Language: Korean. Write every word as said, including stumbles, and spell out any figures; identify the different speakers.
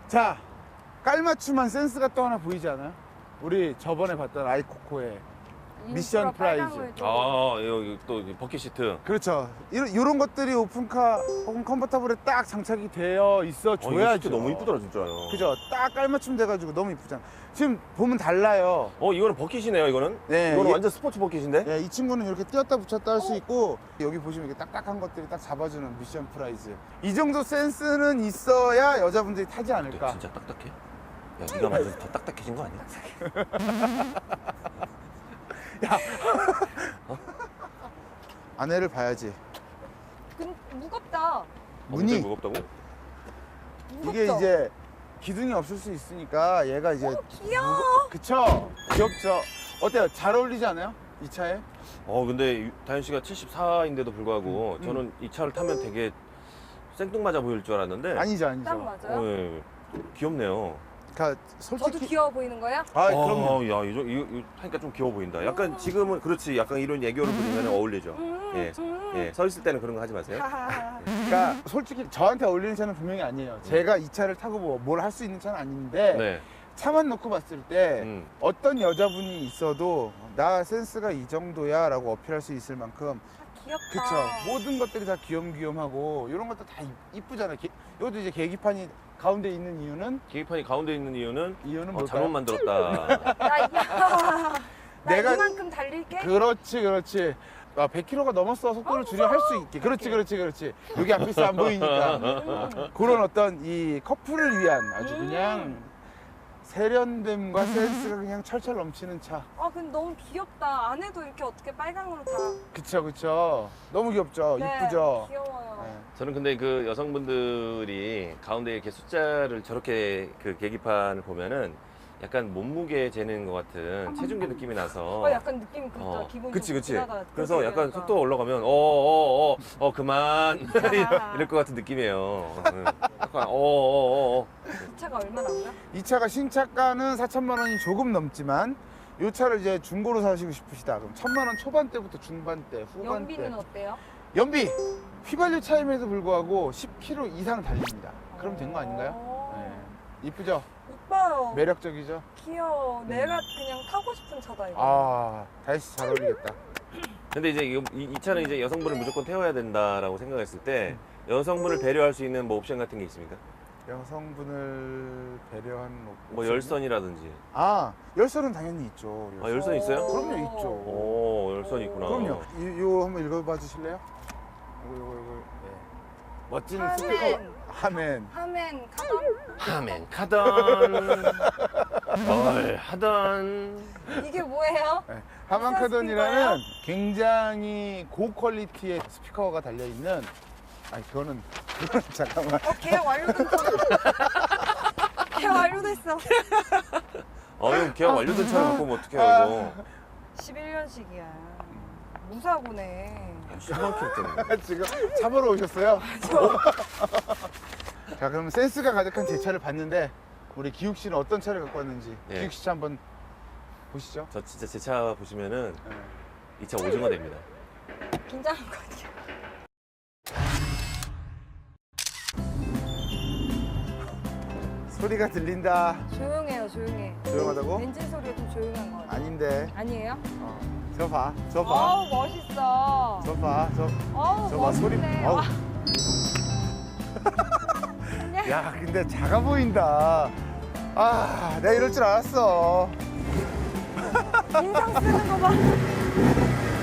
Speaker 1: 자, 깔맞춤한 센스가 또 하나 보이지 않아요? 우리 저번에 봤던 아이코코의 미션 프라이즈.
Speaker 2: 아, 여기 또 버킷 시트.
Speaker 1: 그렇죠. 이런, 이런 것들이 오픈카 혹은 컨버터블에 딱 장착이 되어 있어
Speaker 2: 어, 이거
Speaker 1: 줘야죠.
Speaker 2: 시트 너무 이쁘더라 진짜요.
Speaker 1: 그죠? 딱 깔맞춤 돼가지고 너무 이쁘잖아. 지금 보면 달라요.
Speaker 2: 어, 이거는 버킷이네요. 이거는.
Speaker 1: 네,
Speaker 2: 이거는
Speaker 1: 이-
Speaker 2: 완전 스포츠 버킷인데.
Speaker 1: 네, 이 친구는 이렇게 띄었다 붙였다 할 수 있고, 여기 보시면 이렇게 딱딱한 것들이 딱 잡아주는 미션 프라이즈. 이 정도 센스는 있어야 여자분들이 타지 않을까.
Speaker 2: 진짜 딱딱해? 야, 네가 만져서 더 딱딱해진 거 아니야?
Speaker 1: 아내를 봐야지.
Speaker 3: 근 무겁다.
Speaker 1: 문이
Speaker 2: 어, 무겁다고?
Speaker 3: 무겁죠?
Speaker 1: 이게 이제 기둥이 없을 수 있으니까 얘가 이제
Speaker 3: 어, 귀여워.
Speaker 1: 무거- 그쵸? 귀엽죠? 어때요? 잘 어울리지 않아요? 이 차에?
Speaker 2: 어, 근데 다현 씨가 칠십사인데도 불구하고
Speaker 1: 음.
Speaker 2: 저는 이 차를 타면 되게 생뚱맞아 보일 줄 알았는데.
Speaker 1: 아니죠, 아니죠.
Speaker 3: 딱 맞아요.
Speaker 2: 어, 예. 귀엽네요.
Speaker 1: 그러니까
Speaker 3: 저도
Speaker 1: 솔직히
Speaker 3: 귀여워 보이는 거예요?
Speaker 1: 아,
Speaker 2: 어,
Speaker 1: 그럼요.
Speaker 2: 야, 이거, 이거, 이거 하니까 좀 귀여워 보인다. 약간 지금은 그렇지. 약간 이런 애교를 부리면 어울리죠.
Speaker 3: 음,
Speaker 2: 예.
Speaker 3: 음.
Speaker 2: 예. 서 있을 때는 그런 거 하지 마세요.
Speaker 3: 하하하.
Speaker 1: 그러니까 솔직히 저한테 어울리는 차는 분명히 아니에요. 제가 이 차를 타고 뭐 뭘 할 수 있는 차는 아닌데
Speaker 2: 네.
Speaker 1: 차만 놓고 봤을 때
Speaker 2: 음.
Speaker 1: 어떤 여자분이 있어도 나 센스가 이 정도야 라고 어필할 수 있을 만큼
Speaker 3: 귀엽다.
Speaker 1: 그쵸. 모든 것들이 다 귀염귀염하고 이런 것도 다 이- 이쁘잖아요. 게- 이것도 이제 계기판이 가운데 있는 이유는
Speaker 2: 계기판이 가운데 있는 이유는
Speaker 1: 이유는
Speaker 2: 어,
Speaker 1: 뭘까요?
Speaker 2: 잘못 만들었다.
Speaker 3: 나, 이- 나
Speaker 1: 내가-
Speaker 3: 이만큼 달릴게.
Speaker 1: 그렇지, 그렇지. 아, 백 킬로미터가 넘었어. 속도를 줄여 할 수 있게. 그렇지, 그렇지, 그렇지. 여기 앞에서 안 보이니까.
Speaker 3: 음.
Speaker 1: 그런 어떤 이 커플을 위한 아주 그냥 세련됨과 센스가 그냥 철철 넘치는 차.
Speaker 3: 아 근데 너무 귀엽다. 안에도 이렇게 어떻게 빨강으로 다.
Speaker 1: 그쵸, 그쵸. 너무 귀엽죠?
Speaker 3: 네,
Speaker 1: 이쁘죠?
Speaker 3: 귀여워요.
Speaker 1: 네.
Speaker 2: 저는 근데 그 여성분들이 가운데 이렇게 숫자를 저렇게 그 계기판을 보면은 약간 몸무게 재는 것 같은 체중계 느낌이 나서.
Speaker 3: 어, 약간 느낌이 그렇죠.
Speaker 2: 어,
Speaker 3: 기분
Speaker 2: 그치,
Speaker 3: 좀
Speaker 2: 그치.
Speaker 3: 지나가-
Speaker 2: 그래서
Speaker 3: 그렇게
Speaker 2: 약간
Speaker 3: 되니까.
Speaker 2: 속도가 올라가면, 어, 어, 어, 어, 그만. 이럴 것 같은 느낌이에요. 응. 약간, 어, 어, 어, 어.
Speaker 3: 이 차가 얼마나인가?
Speaker 1: 이 차가 신차가는 사천만 원이 조금 넘지만 이 차를 이제 중고로 사시고 싶으시다. 그럼 천만 원 초반대부터 중반대, 후반대.
Speaker 3: 연비는 어때요?
Speaker 1: 연비! 휘발유 차임에도 불구하고 십 킬로미터 이상 달립니다. 그럼 된 거 아닌가요?
Speaker 3: 어.
Speaker 1: 네. 이쁘죠?
Speaker 3: 이뻐요.
Speaker 1: 매력적이죠?
Speaker 3: 귀여워. 내가 그냥 타고 싶은 차다 이거.
Speaker 1: 아, 다이씨 잘 어울리겠다.
Speaker 2: 근데 이제 이, 이- 이 차는 이제 여성분을 무조건 태워야 된다라고 생각했을 때 여성분을 배려할 수 있는 뭐 옵션 같은 게 있습니까?
Speaker 1: 여성분을 배려한
Speaker 2: 뭐
Speaker 1: 옵션이요?
Speaker 2: 열선이라든지.
Speaker 1: 아, 열선은 당연히 있죠.
Speaker 2: 아, 열선 있어요?
Speaker 1: 그럼요, 있죠.
Speaker 2: 오, 열선이 있구나.
Speaker 1: 그럼요. 이, 요 한번 읽어봐 주실래요? 요거, 요거, 요거. 네. 멋진
Speaker 3: 하멘.
Speaker 1: 스피커. 하멘.
Speaker 3: 하멘 카던?
Speaker 2: 하면 카던. 뭘 하던.
Speaker 3: 이게 뭐예요?
Speaker 1: 네. 하만카돈이라는 굉장히 고퀄리티의 스피커가 달려있는, 아니, 그거는, 그거는 잠깐만.
Speaker 3: 어, 계약 완료됐어. 계약 완료됐어.
Speaker 2: 어, 형 계약 완료된 차를 갖고 오면 어떡해요, 이거.
Speaker 3: 십일 년식이야. 무사고네.
Speaker 2: 십만 킬로 때문에.
Speaker 1: 지금 차 보러 오셨어요? 자, 그럼 센스가 가득한 제 차를 봤는데, 우리 기욱 씨는 어떤 차를 갖고 왔는지,
Speaker 2: 예.
Speaker 1: 기욱 씨 차 한번 보시죠.
Speaker 2: 저 진짜 제 차 보시면은
Speaker 1: 네.
Speaker 2: 이 차 오징어 됩니다.
Speaker 3: 긴장한 거 같아요.
Speaker 1: 소리가 들린다.
Speaker 3: 조용해요, 조용해.
Speaker 1: 조용하다고?
Speaker 3: 엔진 소리가 좀 조용한 거 같아요.
Speaker 1: 아닌데.
Speaker 3: 아니에요?
Speaker 1: 어. 저 봐, 저 봐,
Speaker 3: 어우, 멋있어.
Speaker 1: 저 봐, 저.
Speaker 3: 어우,
Speaker 1: 저 봐, 소리.
Speaker 3: 멋있네.
Speaker 1: 어우.
Speaker 3: 와,
Speaker 1: 야, 근데 작아 보인다. 아, 내가 이럴 줄 알았어.
Speaker 3: 인상 쓰는 거 봐.